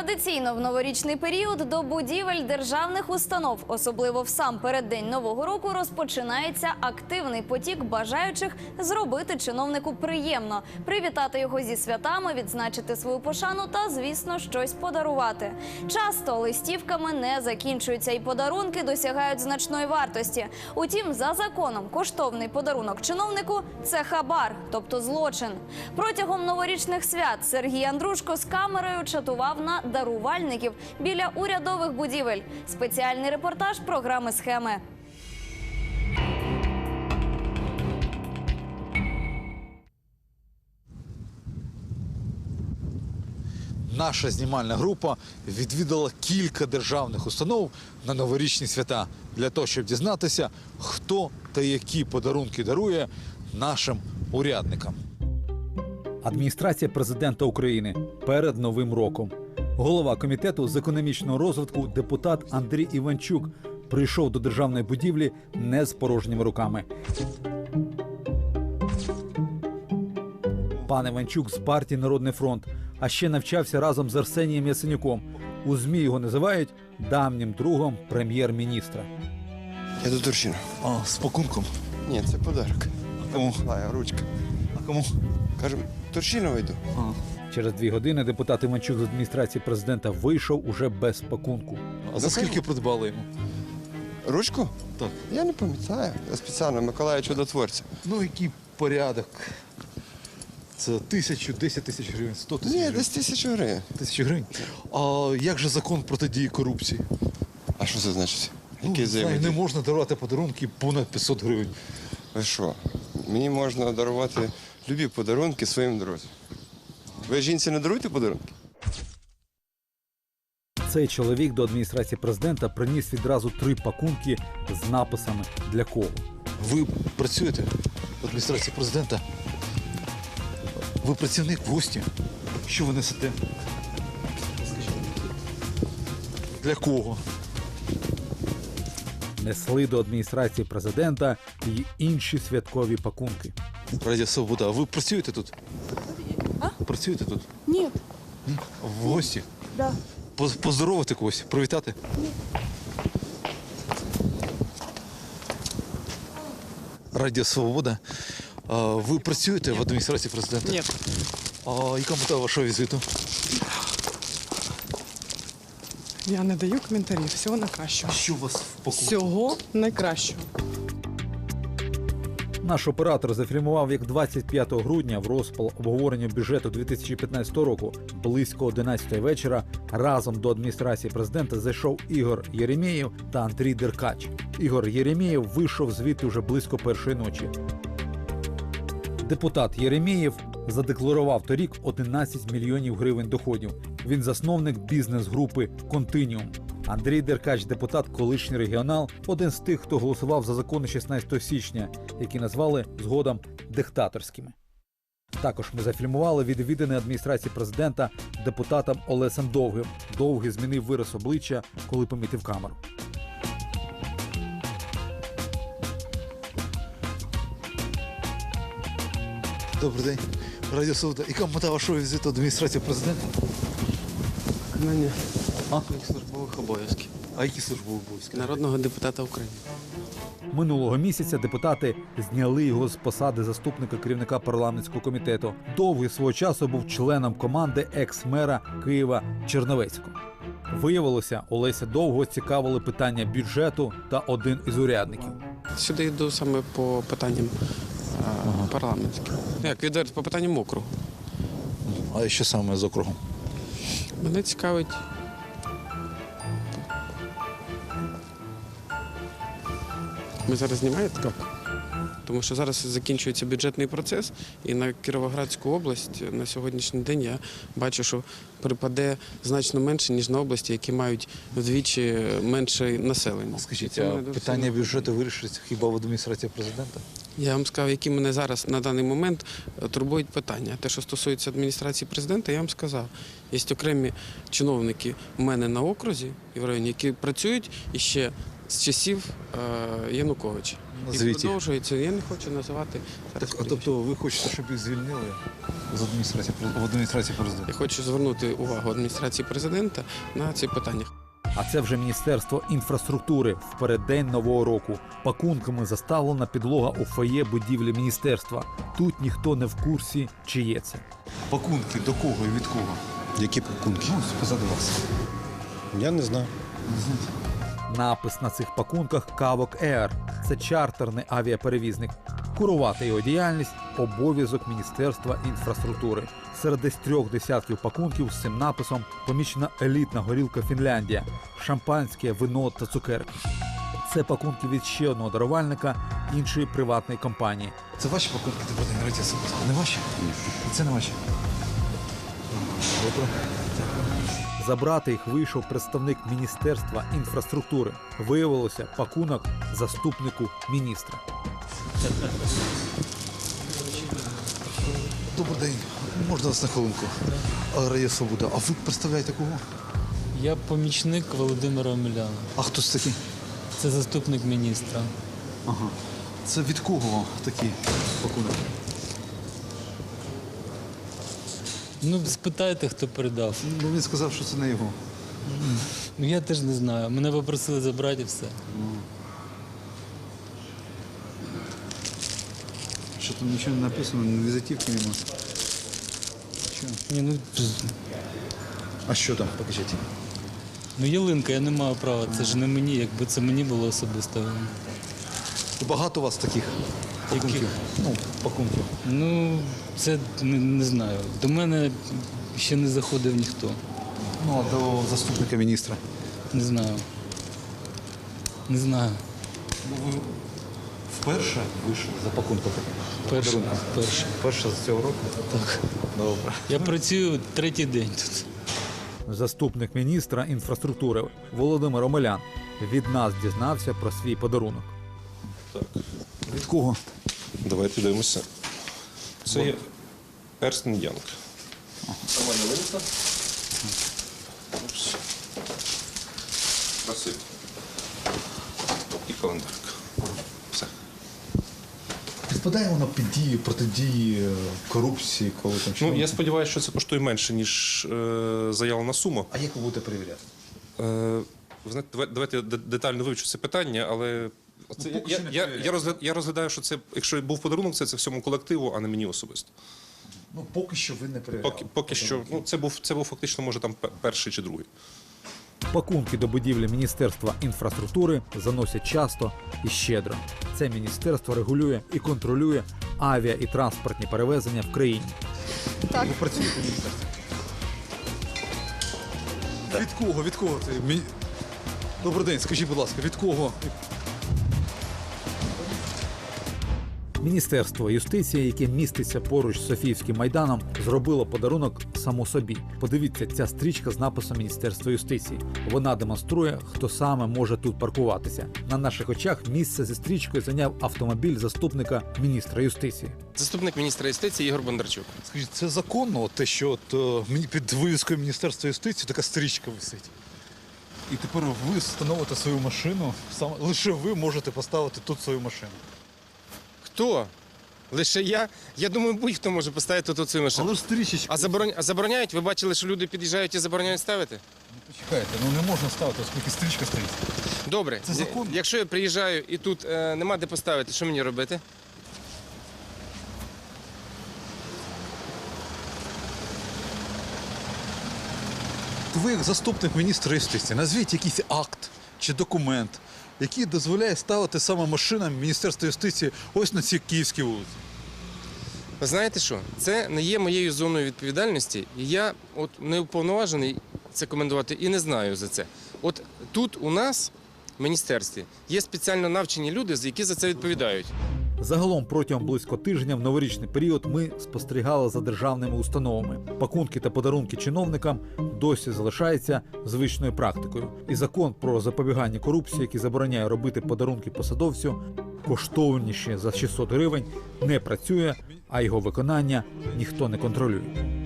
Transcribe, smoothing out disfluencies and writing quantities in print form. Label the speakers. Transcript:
Speaker 1: Традиційно в новорічний період до будівель державних установ, особливо в сам переддень Нового року, розпочинається активний потік бажаючих зробити чиновнику приємно, привітати його зі святами, відзначити свою пошану та, звісно, щось подарувати. Часто листівками не закінчуються і подарунки досягають значної вартості. Утім, за законом коштовний подарунок чиновнику – це хабар, тобто злочин. Протягом новорічних свят Сергій Андрушко з камерою чатував на дарувальників біля урядових будівель. Спеціальний репортаж програми «Схеми».
Speaker 2: Наша знімальна група відвідала кілька державних установ на новорічні свята для того, щоб дізнатися, хто та які подарунки дарує нашим урядникам. Адміністрація президента України перед Новим роком. Голова комітету з економічного розвитку депутат Андрій Іванчук прийшов до державної будівлі не з порожніми руками. Пан Іванчук з партії «Народний фронт», а ще навчався разом з Арсенієм Яценюком. У ЗМІ його називають давнім другом прем'єр-міністра.
Speaker 3: Я до Турчина.
Speaker 2: А, з пакунком?
Speaker 3: Ні, це подарок.
Speaker 2: Кому?
Speaker 3: Ручка.
Speaker 2: А кому?
Speaker 3: Кажемо, Турчинова йду.
Speaker 2: Через 2 години депутат Іванчук з адміністрації президента вийшов уже без пакунку. А за скільки придбали йому?
Speaker 3: Ручку?
Speaker 2: Так.
Speaker 3: Я не пам'ятаю. Я спеціально Миколая Чудотворця.
Speaker 2: Ну, який порядок? Це 1000, 10 тисяч гривень, 100 тисяч
Speaker 3: Ні,
Speaker 2: гривень?
Speaker 3: десь 1000 гривень.
Speaker 2: 1000 гривень? А як же закон протидії корупції?
Speaker 3: А що це значить? Який
Speaker 2: Знаю,
Speaker 3: взаємодій?
Speaker 2: не можна дарувати подарунки понад 500 гривень.
Speaker 3: Ви що? Мені можна дарувати любі подарунки своїм друзям. Ви жінці не даруєте подарунки?
Speaker 2: Цей чоловік до адміністрації президента приніс відразу 3 пакунки з написами «Для кого?». Ви працюєте в адміністрації президента? Ви працівник, гості? Що ви несете? Для кого? Несли до адміністрації президента і інші святкові пакунки. Радіо Свобода, а ви працюєте тут?
Speaker 4: А?
Speaker 2: Працюєте тут?
Speaker 4: Ні.
Speaker 2: Ні? В гості?
Speaker 4: Да.
Speaker 2: Поздоровити когось? Привітати? Ні. Радіо Свобода. А ви працюєте в адміністрації президента?
Speaker 4: Ні.
Speaker 2: А яка мета вашого візиту?
Speaker 4: Я не даю коментарів. Всього найкращого.
Speaker 2: Що у вас в пакунку?
Speaker 4: Всього найкращого.
Speaker 2: Наш оператор зафільмував, як 25 грудня в розпал обговорення бюджету 2015 року близько 11 вечора разом до адміністрації президента зайшов Ігор Єремєєв та Андрій Деркач. Ігор Єремєєв вийшов звідти вже близько 1-ї ночі. Депутат Єремєєв задекларував торік 11 мільйонів гривень доходів. Він засновник бізнес-групи «Континіум». Андрій Деркач – депутат, колишній регіонал, один з тих, хто голосував за закони 16 січня, які назвали згодом диктаторськими. Також ми зафільмували відвідини адміністрації президента депутатом Олесем Довгим. Довгий змінив вираз обличчя, коли помітив камеру. Добрий день. Радіо Свобода. Яка мета вашого візиту до адміністрації президента?
Speaker 5: Виконання
Speaker 2: А?
Speaker 5: службових обов'язків
Speaker 2: А які службові обов'язки?
Speaker 5: народного депутата України.
Speaker 2: Минулого місяця депутати зняли його з посади заступника керівника парламентського комітету. Довгий свого часу був членом команди екс-мера Києва Черновецького. Виявилося, Олеся Довгого цікавили питання бюджету та один із урядників.
Speaker 5: Сюди йду саме по питанням парламентським. Як відверто, по питанням округу.
Speaker 2: А що саме з округом?
Speaker 5: Мене цікавить. Ви зараз знімаєте? Так. Тому що зараз закінчується бюджетний процес, і на Кіровоградську область на сьогоднішній день я бачу, що припаде значно менше, ніж на області, які мають вдвічі менше населення.
Speaker 2: Скажіть,
Speaker 5: Це
Speaker 2: а
Speaker 5: мене дуже
Speaker 2: питання
Speaker 5: сильно
Speaker 2: бюджету вирішиться хіба в адміністрації президента?
Speaker 5: Я вам сказав, які мене зараз на даний момент турбують питання. Те, що стосується адміністрації президента, я вам сказав. Є окремі чиновники у мене на окрузі і в районі, які працюють іще з часів Януковича. І
Speaker 2: звіті.
Speaker 5: продовжується. Я не хочу називати зараз.
Speaker 2: Тобто ви хочете, щоб їх звільнили в адміністрації президента?
Speaker 5: Я хочу звернути увагу адміністрації президента на ці питання.
Speaker 6: А це вже Міністерство інфраструктури в переддень Нового року. Пакунками заставлена підлога у фоє будівлі міністерства. Тут ніхто не в курсі, чиє це.
Speaker 2: Пакунки до кого і від кого?
Speaker 7: Які пакунки?
Speaker 2: Ну, позаду вас.
Speaker 7: Я не знаю.
Speaker 6: Напис на цих пакунках «Кавок Air». Це чартерний авіаперевізник. Курувати його діяльність – обов'язок Міністерства інфраструктури. Серед десь 3 десятків пакунків з цим написом помічена елітна горілка «Фінляндія», шампанське, вино та цукерки. Це пакунки від ще одного дарувальника іншої приватної компанії.
Speaker 2: Це ваші пакунки, Володимир, не ваші? Це не ваші. Добре.
Speaker 6: Забрати їх вийшов представник Міністерства інфраструктури. Виявилося пакунок заступнику міністра.
Speaker 2: Добрий день. Можна вас на хвилинку? Радіо Свобода. А ви представляєте кого?
Speaker 8: Я помічник Володимира Омеляна.
Speaker 2: А хто це такий?
Speaker 8: Це заступник міністра.
Speaker 2: Ага. Це від кого такі пакунки?
Speaker 8: Ну, спитайте, хто передав.
Speaker 2: Ну, він сказав, що це не його.
Speaker 8: Ну, я теж не знаю. Мене попросили забрати і все.
Speaker 2: Що там нічого не написано, візитівки нема.
Speaker 8: Ні,
Speaker 2: А що там? Покажіть.
Speaker 8: ну ялинка, я не маю права. Це ж не мені, якби це мені було особисто.
Speaker 2: Багато у вас таких пакунків? Ну, пакунків.
Speaker 8: Ну, це не знаю. До мене ще не заходив ніхто.
Speaker 2: Ну, а до заступника міністра.
Speaker 8: Не знаю. Не знаю.
Speaker 2: Ви вперше вийшли за пакунком?
Speaker 8: Перше.
Speaker 2: Перше з цього року?
Speaker 8: Так.
Speaker 2: Добре.
Speaker 8: Я працюю 3-й день тут.
Speaker 6: Заступник міністра інфраструктури Володимир Омелян від нас дізнався про свій подарунок.
Speaker 2: Від кого?
Speaker 9: Давайте дивимося. Це є Ерст & Янг. Нормально винесла? Красиво. І календарка. Все.
Speaker 2: Підпадає воно під дії, протидії корупції, коли там
Speaker 9: Ну, я сподіваюся, що це коштує менше, ніж заявлена сума.
Speaker 2: А як ви будете перевіряти?
Speaker 9: Ви знаєте, давайте детально вивчу це питання, але це,
Speaker 2: поки що не перевіряю.
Speaker 9: я розглядаю, що це, якщо був подарунок, це всьому колективу, а не мені особисто.
Speaker 2: Ну, поки що ви не перевіряли.
Speaker 9: Поки що, ну, це був фактично, може, там перший чи другий.
Speaker 6: Пакунки до будівлі Міністерства інфраструктури заносять часто і щедро. Це міністерство регулює і контролює авіа і транспортні перевезення в країні.
Speaker 2: Ви працюєте в міністерстві? Від кого? Від кого це? Добрий день, скажіть, будь ласка, від кого?
Speaker 6: Міністерство юстиції, яке міститься поруч з Софіївським майданом, зробило подарунок само собі. Подивіться, ця стрічка з написом Міністерства юстиції. Вона демонструє, хто саме може тут паркуватися. На наших очах місце зі стрічкою зайняв автомобіль заступника міністра юстиції.
Speaker 10: Заступник міністра юстиції Ігор Бондарчук.
Speaker 2: Скажіть, це законно, те, що під вивіскою Міністерства юстиції така стрічка висить? І тепер ви встановите свою машину, лише ви можете поставити тут свою машину.
Speaker 10: Хто? Лише я? Я думаю, будь-хто може поставити тут свою машину.
Speaker 2: Але ж стрічечка.
Speaker 10: А забороняють? Ви бачили, що люди під'їжджають і забороняють ставити?
Speaker 2: Почекайте, ну не можна ставити, оскільки стрічка стоїть.
Speaker 10: Добре.
Speaker 2: Це законно.
Speaker 10: Якщо я приїжджаю і тут нема де поставити, що мені робити?
Speaker 2: Ви, як заступник міністра юстиції, назвіть якийсь акт чи документ, який дозволяє ставити саме машинам Міністерства юстиції ось на цій київській вулиці.
Speaker 10: Ви знаєте що? Це не є моєю зоною відповідальності, і я от не уповноважений це коментувати і не знаю за це. От тут у нас в міністерстві є спеціально навчені люди, які за це відповідають.
Speaker 6: Загалом протягом близько тижня в новорічний період ми спостерігали за державними установами. Пакунки та подарунки чиновникам досі залишаються звичною практикою. І закон про запобігання корупції, який забороняє робити подарунки посадовцю, коштовніші за 600 гривень, не працює, а його виконання ніхто не контролює.